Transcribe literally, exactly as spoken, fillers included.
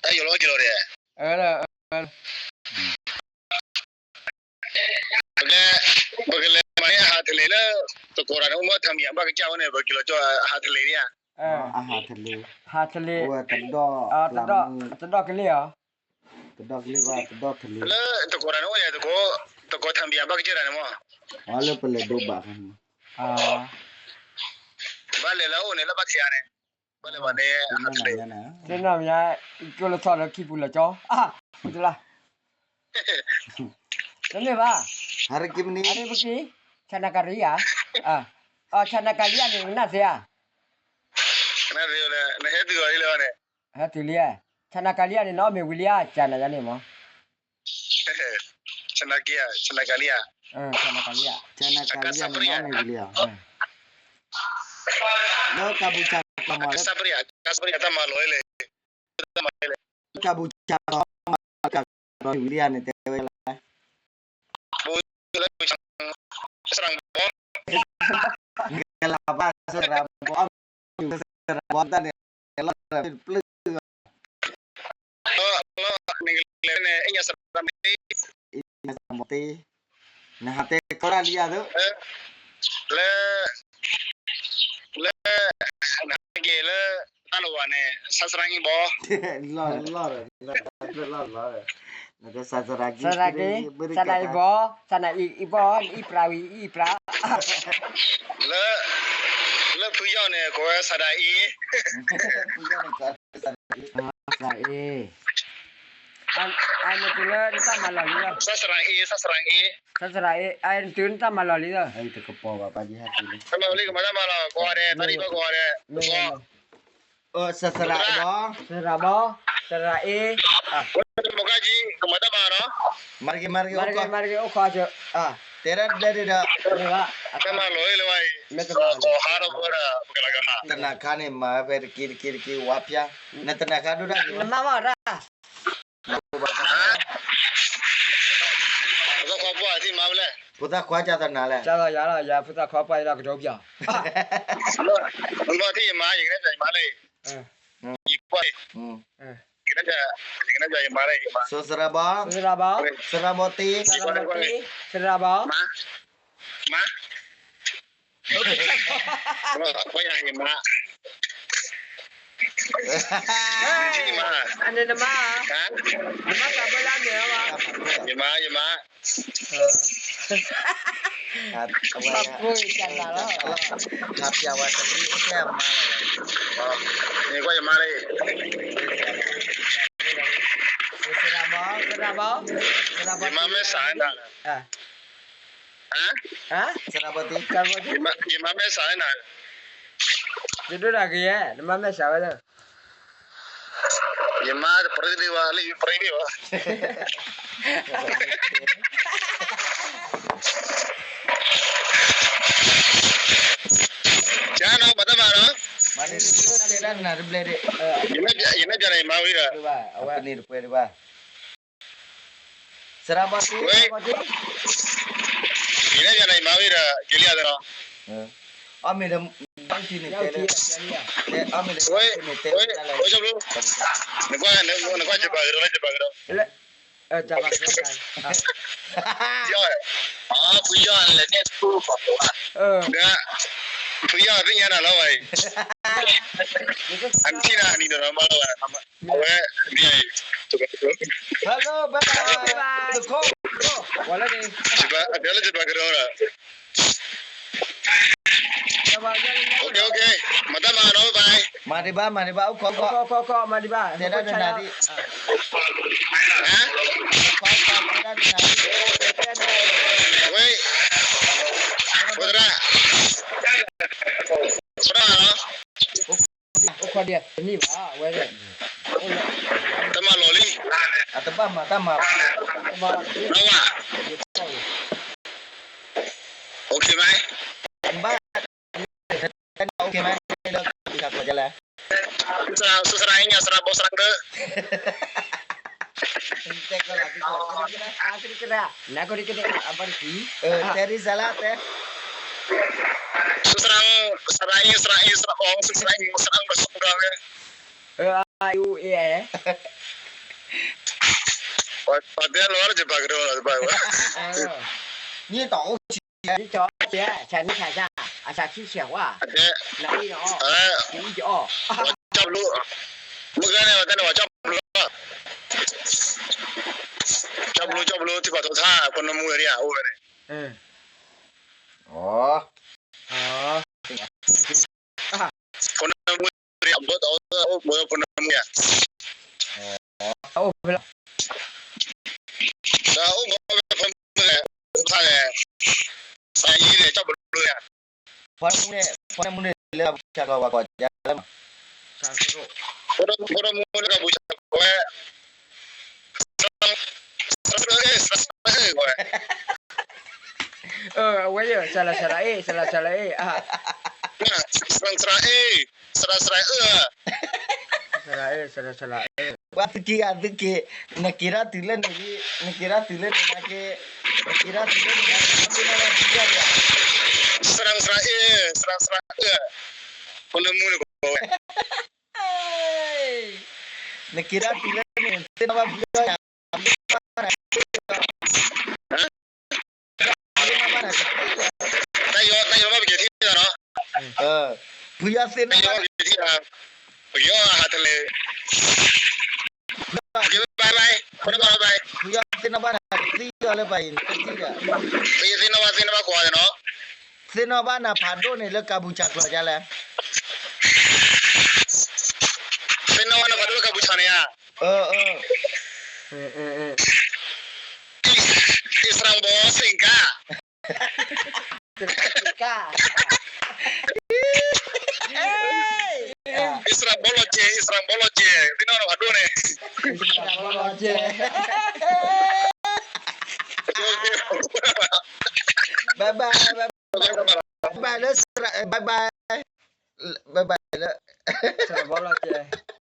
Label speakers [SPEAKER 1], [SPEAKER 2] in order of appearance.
[SPEAKER 1] Ayo lo kilo dia.
[SPEAKER 2] Ada.
[SPEAKER 1] Oke, bagale mana hat lela to koran umur tham yang bagi jauh ni bagilo jo hat lela ya.
[SPEAKER 3] อาหารทะเล
[SPEAKER 2] หาทะเล
[SPEAKER 3] โอ้ตะดอก
[SPEAKER 2] อ่าตะดอกตะดอกกันเลยเหรอ
[SPEAKER 3] ตะดอกเรียกว่าตะดอกทะเล
[SPEAKER 1] Le to koran umur ya to ko to ko tham yang bagi jalan mo.
[SPEAKER 3] อ๋อเลยเปเลยดูบะกัน
[SPEAKER 2] อ่า
[SPEAKER 1] Bale la o ne la bagi ya ne. Bale bale
[SPEAKER 3] นั่น
[SPEAKER 1] hat
[SPEAKER 3] น่ะ
[SPEAKER 1] lela.
[SPEAKER 3] นั่นน่ะ
[SPEAKER 2] เจ้าหน้ามีก็เลยทอดแล้วคิดบุญละจ้ออ่ะพูดละนั่นเลยป่ะ
[SPEAKER 3] hari kim ni
[SPEAKER 2] อันนี้เมื่อกี้ชนะการีอ่ะอ่ะอ๋อชนะการีอันนี้น่าเสีย
[SPEAKER 1] Na dia le na he tu le ne.
[SPEAKER 2] ฮะตุเลียชนะการีอันนี้น้องมีวิลเลียจานะยันนี่มั้ง
[SPEAKER 1] Chana kia, chana kalia.
[SPEAKER 2] เออชนะการีอ่ะ
[SPEAKER 3] ชนะกาลีอันนี้ไม่เลียแล้วกาบูชาตมาแล้ว
[SPEAKER 1] Kasapria, kasapria ta malo ele. Ta malo ele.
[SPEAKER 3] กาบูชาตมากับรอยวิเลียนเนี่ยแต่เวลา
[SPEAKER 1] Serang bom.
[SPEAKER 3] เวลาบ้าสระบอมอยู่สระบอมตั้งเนี่ยเราเป็นปลื้ม
[SPEAKER 1] Lo lo ningle ne inya serang ni.
[SPEAKER 3] อีมาสมตินะฮะแต่ก็ได้เลียดู
[SPEAKER 1] Le le na ge le alo ne sasrang bo.
[SPEAKER 3] ล่อล่อเลยล่อล่อล่อเลยนะแต่ศาสนากิ
[SPEAKER 2] สระกีสระอีบอสระอีอีบออีปราวีอีปรา
[SPEAKER 1] Le le puyo ne ko sadai.
[SPEAKER 3] ผู้ย่อมกันศาสนา
[SPEAKER 2] สระเออันอันนี้คือเลยตั้งมาหล่อเลย
[SPEAKER 1] Sasrang e, sasrang e.
[SPEAKER 2] สระเออันตื่นตั้งมาหล่อเลย
[SPEAKER 3] ไอ้ตะกปอว่าปาจิฮะติเลย
[SPEAKER 1] Sama beli ke mana mana ko ade, tadi ko ko ade.
[SPEAKER 3] เออศาสนาบ่
[SPEAKER 2] สระบอสระเออ่ะ
[SPEAKER 1] Mukaji ke mana mana?
[SPEAKER 3] mari mari
[SPEAKER 2] มา
[SPEAKER 3] โอ
[SPEAKER 2] เก
[SPEAKER 3] เค
[SPEAKER 2] มาเกโอคอเจออ่ะ
[SPEAKER 3] tera dari dah
[SPEAKER 2] นี่ว่า
[SPEAKER 1] Sama lo ele wai.
[SPEAKER 2] ไม่ต้องมา
[SPEAKER 1] Ko haro ko dah bukan lagi ha.
[SPEAKER 3] tenaga ni mah ber kiri kiri kiri wapya na tenaga tu dah
[SPEAKER 2] น้ำมาว่าด่า
[SPEAKER 1] Ko ko buat si mau le.
[SPEAKER 3] puta kuaja tanah le
[SPEAKER 2] จ้าอย่าละอย่าพุทธขอไปแล้วก็จบอย่า
[SPEAKER 1] Lo ti ma yin ne jai ma le.
[SPEAKER 2] เออ
[SPEAKER 1] Yi ko.
[SPEAKER 3] hmm
[SPEAKER 2] เออ
[SPEAKER 1] Kena ja, kena ja ma le ma.
[SPEAKER 3] so seraba
[SPEAKER 2] สระบอ
[SPEAKER 3] seraboti
[SPEAKER 2] สระบอสระบอ
[SPEAKER 1] Ma. Ma. Ko ya hi ma. ที่มา
[SPEAKER 2] อันนี้น้ำมา
[SPEAKER 1] ฮะ
[SPEAKER 2] น้ำมากับเวลาเหนียวอ่ะ
[SPEAKER 1] อย่ามาอย่ามา
[SPEAKER 3] hat
[SPEAKER 2] ขับคุยกันแล้ว
[SPEAKER 3] hat ya wa tadi saya ma
[SPEAKER 1] นี่ก็อย่ามาเลย
[SPEAKER 2] สระบอสระบอสระบ
[SPEAKER 1] อ
[SPEAKER 2] อย่
[SPEAKER 1] ามาไม่สายนะ
[SPEAKER 2] อ่ะ
[SPEAKER 1] ฮะ
[SPEAKER 2] ฮะ
[SPEAKER 3] seraboti
[SPEAKER 2] สระบอ
[SPEAKER 1] อย่ามาอย่ามาไม่สายนะ
[SPEAKER 2] จะดูอะไรกันเนี่ยน้ำมันไม่ใช่ไหมเนี่ย
[SPEAKER 1] อย่ามาปริดีวะเลยปริดีวะจ้าน้องมาตั้งมาเนาะ
[SPEAKER 3] mari tera na blere
[SPEAKER 1] อย่ามาอย่ามาจะไหนมาวิระ
[SPEAKER 2] ดูว่าเอาไว้
[SPEAKER 3] apa ni rupa ni ba seraboti
[SPEAKER 1] เว้ยอย่าจะไหนมาวิระเกลียดเนาะ
[SPEAKER 3] ami dah bang sini
[SPEAKER 2] เจ้า
[SPEAKER 3] tera
[SPEAKER 2] ที่เนี่ย
[SPEAKER 3] ami dah
[SPEAKER 1] เว้ย
[SPEAKER 3] sini
[SPEAKER 1] เว้ย
[SPEAKER 3] tera
[SPEAKER 1] โอ้ยจบลูกนึกว่านึกว่านึกว่าจะไปกันแล้วจะไปกันแล้ว
[SPEAKER 2] เออจับมาเพื่อนกัน
[SPEAKER 1] ยอดอ๋อคุยยอดเลยเนี่ยตู้ของตัว
[SPEAKER 2] เออ
[SPEAKER 1] เนี่ยคุยยอดเป็นยังไงล่ะเว้ย อันที่น่านี่เดี๋ยวมาแล้วเอาไว้นี่ถูกถูก
[SPEAKER 3] hello bye bye ko
[SPEAKER 2] วันละนี่
[SPEAKER 1] จะไปเดี๋ยวเราจะไปกันแล้ว
[SPEAKER 2] จับมาเนี่ย
[SPEAKER 1] โอเคโอเคมาตั้งมาเนาะบาย
[SPEAKER 3] mari ba mari ba ko
[SPEAKER 2] ก็
[SPEAKER 3] ko
[SPEAKER 2] ก็ก็ก็มาดีบ้า
[SPEAKER 3] tera na nadi
[SPEAKER 1] ฮะ
[SPEAKER 3] ko ko tera na nadi
[SPEAKER 1] เว้ยพุทธะพุทธะเนาะ
[SPEAKER 2] โอ้คนเดียวนี่บ้าเว้ย
[SPEAKER 1] ตั้งมาโลลี่
[SPEAKER 3] ataba mata ma
[SPEAKER 2] มา
[SPEAKER 1] น้องอ่ะโอเคไหม
[SPEAKER 3] ba okay mai dah bisa ko jalan
[SPEAKER 1] สุสรายเนี่ยสระบสระเด้อ
[SPEAKER 3] tek ko lagi ko
[SPEAKER 2] akhir kira nak kau dikit apa sih
[SPEAKER 3] eh teri salah teh
[SPEAKER 1] สุสรายสรายสรายสระองสุสรายสระองสระ
[SPEAKER 2] U A eh.
[SPEAKER 1] Patya luar je bag ro la bag.
[SPEAKER 2] Ờ.
[SPEAKER 3] 你懂
[SPEAKER 2] Đi cho chị chả đi chả ra. À chả chi xẻo quá.
[SPEAKER 1] Ade.
[SPEAKER 2] Nói nó.
[SPEAKER 1] Eh,
[SPEAKER 2] Đi cho.
[SPEAKER 1] chop lu. Mugane wa tane wa chop lu. Chop lu chop lu ti pa to tha kono mu ri a o ne.
[SPEAKER 2] Ừ.
[SPEAKER 3] Ồ.
[SPEAKER 2] Ờ.
[SPEAKER 1] Kono mu ri a bo to o bo kono mu ya.
[SPEAKER 2] Ô, vậy là
[SPEAKER 1] Da o bo ko mu le. Tha le. Sa yi le chop lu ya.
[SPEAKER 3] Pon mune pon mune le cha ko wa ko ja le ma.
[SPEAKER 2] sao số.
[SPEAKER 1] Kono kono mu le ka bu cha ko e. Eh, ko.
[SPEAKER 2] Ờ, quay giờ sao là sao là ê, sao là sao là ê. À.
[SPEAKER 1] Nah, serang-serang eh, serang-serang eh.
[SPEAKER 2] Sao là ê, sao là sao là ê.
[SPEAKER 3] Wa tiki atiki nakira tilen ni nakira tilen na ke nakira tilen na ke na tiga ya.
[SPEAKER 1] Serang-serang eh, serang-serang eh. Kono mu ko.
[SPEAKER 3] Nakira tilen ni tin ba video ya.
[SPEAKER 1] Tayo tayo ba bigeti na no?
[SPEAKER 3] Ờ, puya sin
[SPEAKER 1] Tayo ba bigeti na. Yo hatale. Bye bye. Kono bye bye.
[SPEAKER 3] puya sin ba na tiga le bai tiga.
[SPEAKER 1] Tayo sino ba sino ba ko no?
[SPEAKER 3] Sin ba na phado ni le kabucha klo ja le.
[SPEAKER 1] Sino ba na ba ka buchane ya?
[SPEAKER 3] Ờ ờ.
[SPEAKER 2] Ừ ừ ừ.
[SPEAKER 1] Israng bo singka.
[SPEAKER 2] Ca.
[SPEAKER 1] Israng boloje, Israng boloje. Sino no adone.
[SPEAKER 3] Bye bye bye bye le bye bye bye bye le.
[SPEAKER 2] Sao bỏ lo chê.